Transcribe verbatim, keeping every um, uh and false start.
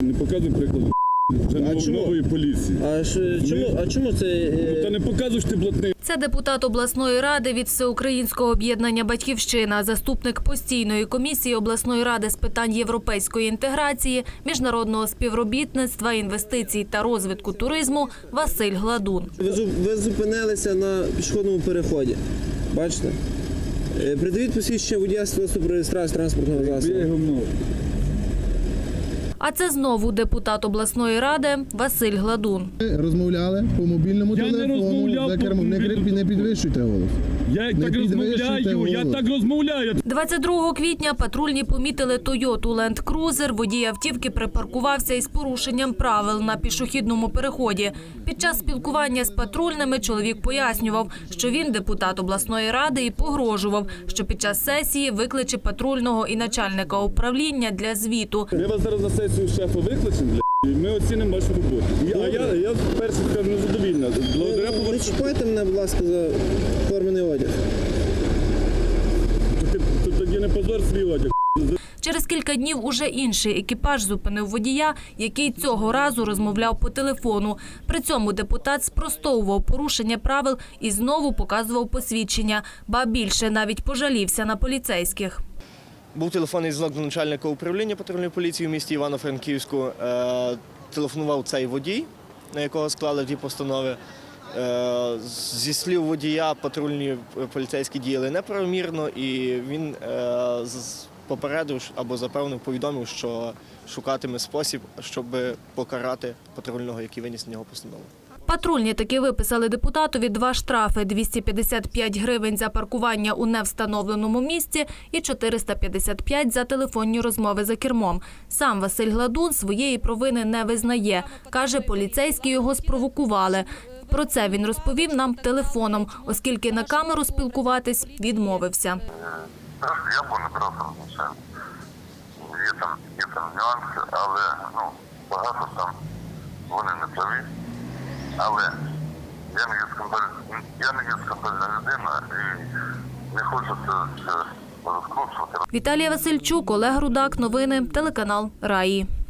Не показуй прикладу вже нов, нової поліції. А, ш, чому, а чому це... Е... Ну, та не показуєш ти блатний. Це депутат обласної ради від Всеукраїнського об'єднання «Батьківщина», заступник постійної комісії обласної ради з питань європейської інтеграції, міжнародного співробітництва, інвестицій та розвитку туризму Василь Гладун. Ви, ви зупинилися на пішохідному переході, бачите? Е, придивіть посвідчення водія свідоцтво про реєстрацію транспортного засобу. А це знову депутат обласної ради Василь Гладун. Ви розмовляли по мобільному Я телефону, не розмовляв за по кермом. Не, мобільному. не підвищуйте голос. Я Не так розмовляю, я так розмовляю. двадцять другого квітня патрульні помітили Toyota Land Cruiser. Водій автівки припаркувався із порушенням правил на пішохідному переході. Під час спілкування з патрульними чоловік пояснював, що він депутат обласної ради і погрожував, що під час сесії викличе патрульного і начальника управління для звіту. Ми вас зараз на сесію шефа викличемо, і ми оцінимо вашу роботу. А я, я перше скажу, незадовільна. Благодаря Не чіпайте мене, будь ласка, за формений одяг. Тоді не позор свій одяг. Через кілька днів уже інший екіпаж зупинив водія, який цього разу розмовляв по телефону. При цьому депутат спростовував порушення правил і знову показував посвідчення. Ба більше, навіть пожалівся на поліцейських. Був телефонний дзвінок до начальника управління патрульної поліції в місті Івано-Франківську. Е, телефонував цей водій, на якого склали ті постанови. Е, зі слів водія, патрульні поліцейські діяли неправомірно, і він е, попередив або запевнив, повідомив, що шукатиме спосіб, щоб покарати патрульного, який виніс на нього постанову. Патрульні таки виписали депутатові два штрафи – двісті п'ятдесят п'ять гривень за паркування у невстановленому місці і чотириста п'ятдесят п'ять за телефонні розмови за кермом. Сам Василь Гладун своєї провини не визнає. Каже, поліцейські його спровокували. Про це він розповів нам телефоном, оскільки на камеру спілкуватись відмовився. Я був не просто розмовляв. Є там, є там нюанси, але ну, багато там вони не праві. Але я не є скандальна, я не є скандальна людина і не хочу це, це розкручувати. Віталія Васильчук, Олег Рудак. Новини. Телеканал Раї.